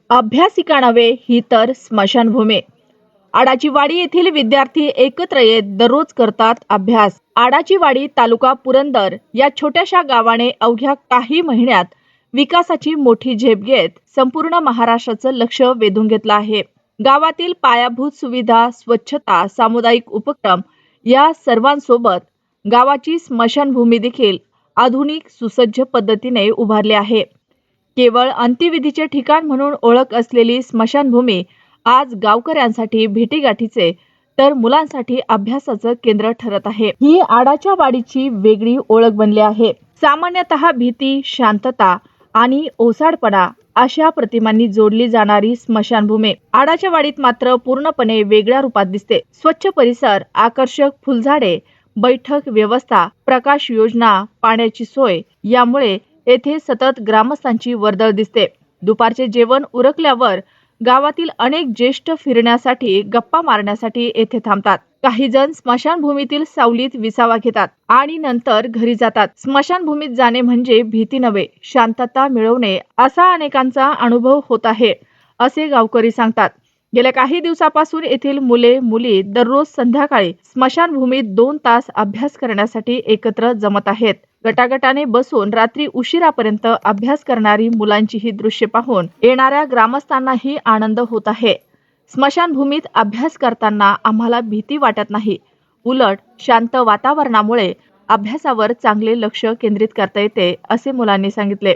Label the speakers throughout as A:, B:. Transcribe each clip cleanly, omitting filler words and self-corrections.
A: अभ्यासिका नव्हे ही तर स्मशानभूमी. आडाचीवाडी येथील विद्यार्थी एकत्र येत दररोज करतात अभ्यास. आडाचीवाडी तालुका पुरंदर या छोट्याशा गावाने अवघ्या काही महिन्यात विकासाची मोठी झेप घेत संपूर्ण महाराष्ट्राचं लक्ष वेधून घेतलं आहे. गावातील पायाभूत सुविधा, स्वच्छता, सामुदायिक उपक्रम या सर्वांसोबत गावाची स्मशानभूमी देखील आधुनिक सुसज्ज पद्धतीने उभारली आहे. केवळ अंत्यविधीचे ठिकाण म्हणून ओळख असलेली स्मशानभूमी आज गावकऱ्यांसाठी भेटीगाठीचे तर मुलांसाठी अभ्यासाचं केंद्र ठरत आहे. ही आडाच्या वाडीची वेगळी ओळख बनली आहे. सामान्यतः भीती, शांतता आणि ओसाडपणा अशा प्रतिमांनी जोडली जाणारी स्मशानभूमी आडाच्या वाडीत मात्र पूर्णपणे वेगळ्या रूपात दिसते. स्वच्छ परिसर, आकर्षक फुलझाडे, बैठक व्यवस्था, प्रकाश योजना, पाण्याची सोय यामुळे येथे सतत ग्रामस्थांची वर्दळ दिसते. दुपारचे जेवण उरकल्यावर गावातील अनेक ज्येष्ठ फिरण्यासाठी, गप्पा मारण्यासाठी येथे थांबतात. काही जण स्मशानभूमीतील सावलीत विसावा घेतात आणि नंतर घरी जातात. स्मशानभूमीत जाणे म्हणजे भीती नव्हे, शांतता मिळवणे असा अनेकांचा अनुभव होत आहे, असे गावकरी सांगतात. गेल्या काही दिवसापासून येथील मुले मुली दररोज संध्याकाळी स्मशानभूमीत 2 तास अभ्यास करण्यासाठी एकत्र जमत आहेत. गटागटाने बसून रात्री उशिरापर्यंत अभ्यास करणारी मुलांची ही दृश्य पाहून येणाऱ्या ग्रामस्थांनाही आनंद होत आहे. स्मशानभूमीत अभ्यास करताना आम्हाला भीती वाटत नाही, उलट शांत वातावरणामुळे अभ्यासावर चांगले लक्ष केंद्रित करता येते, असे मुलांनी सांगितले.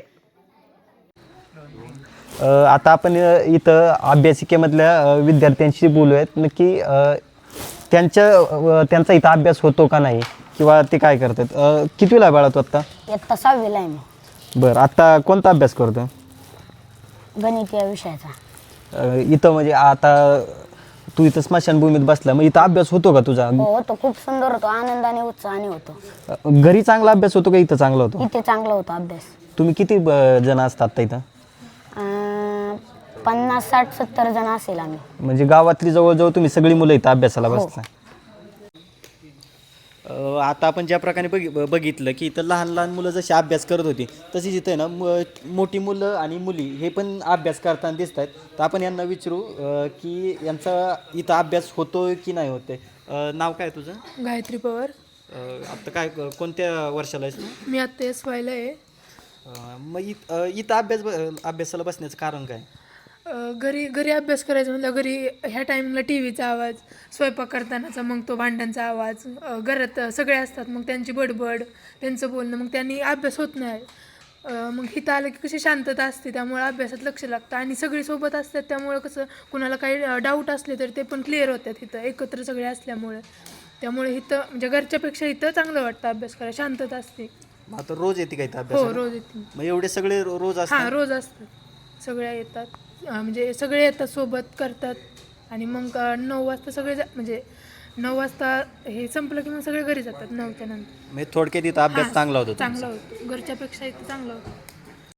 B: आता आपण इथं अभ्यासिकेमधल्या विद्यार्थ्यांशी बोलूयात. नक्की त्यांचा इथं अभ्यास होतो का नाही किंवा ते काय करतात. कितवीला बाळा तू आत्ता?
C: इयत्ता 6वीला आहे मी.
B: बरं, आता कोणता अभ्यास करतो?
C: गणित या विषयाचा.
B: इथं म्हणजे आता तू इथं स्मशानभूमीत बसला, मग इथं अभ्यास होतो का तुझा?
C: हो होतो, खूप सुंदर होतो, आनंदाने उत्साहाने होतो.
B: घरी चांगला अभ्यास होतो का इथं चांगला होतो?
C: इथे चांगला होता अभ्यास.
B: तुम्ही किती जण असतात इथं?
C: 50, 60, 70 जण असेल आम्ही.
B: म्हणजे गावातली जवळजवळ तुम्ही सगळी मुलं इथं अभ्यासाला बसता. आता आपण ज्या प्रकारे बघितलं की इथं लहान लहान मुलं जशी अभ्यास करत होती तशीच इथं ना मोठी मुलं आणि मुली हे पण अभ्यास करताना दिसत आहेत. तर आपण यांना विचारू की यांचा इथं अभ्यास होतोय की नाही होते. नाव काय तुझं?
D: गायत्री पवार.
B: आता काय कोणत्या वर्षाला आहेस तू?
D: मी आत्ता SYला आहे.
B: मग इथं अभ्यासाला बसण्याचं कारण काय?
D: घरी अभ्यास करायचा म्हटलं, घरी ह्या टाईमला टीव्हीचा आवाज, स्वयंपाक करतानाचा, मग तो भांड्यांचा आवाज, घरात सगळे असतात, मग त्यांची बडबड, त्यांचं बोलणं, मग त्यांनी अभ्यास होत नाही. मग इथं आलं की कशी शांतता असते, त्यामुळे अभ्यासात लक्ष लागतं आणि सगळी सोबत असतात, त्यामुळं कसं कुणाला काही डाऊट असले तर ते पण क्लिअर होतात इथं एकत्र सगळे असल्यामुळे. त्यामुळे इथं म्हणजे घरच्यापेक्षा इथं चांगलं वाटतं अभ्यास करायला, शांतता असते.
B: आता रोज येते का इथं अभ्यास?
D: हो, रोज येते.
B: मग एवढे सगळे रोज असतात?
D: हां, रोज असतात, सगळ्या येतात, म्हणजे सगळे येतात, सोबत करतात आणि मग 9 वाजता सगळे म्हणजे 9 वाजता हे संपलं की मग सगळे घरी जातात 9च्या नंतर.
B: म्हणजे थोडक्यात इथं अभ्यास चांगला होतो?
D: चांगला होतो, घरच्यापेक्षा इथं चांगला होतो.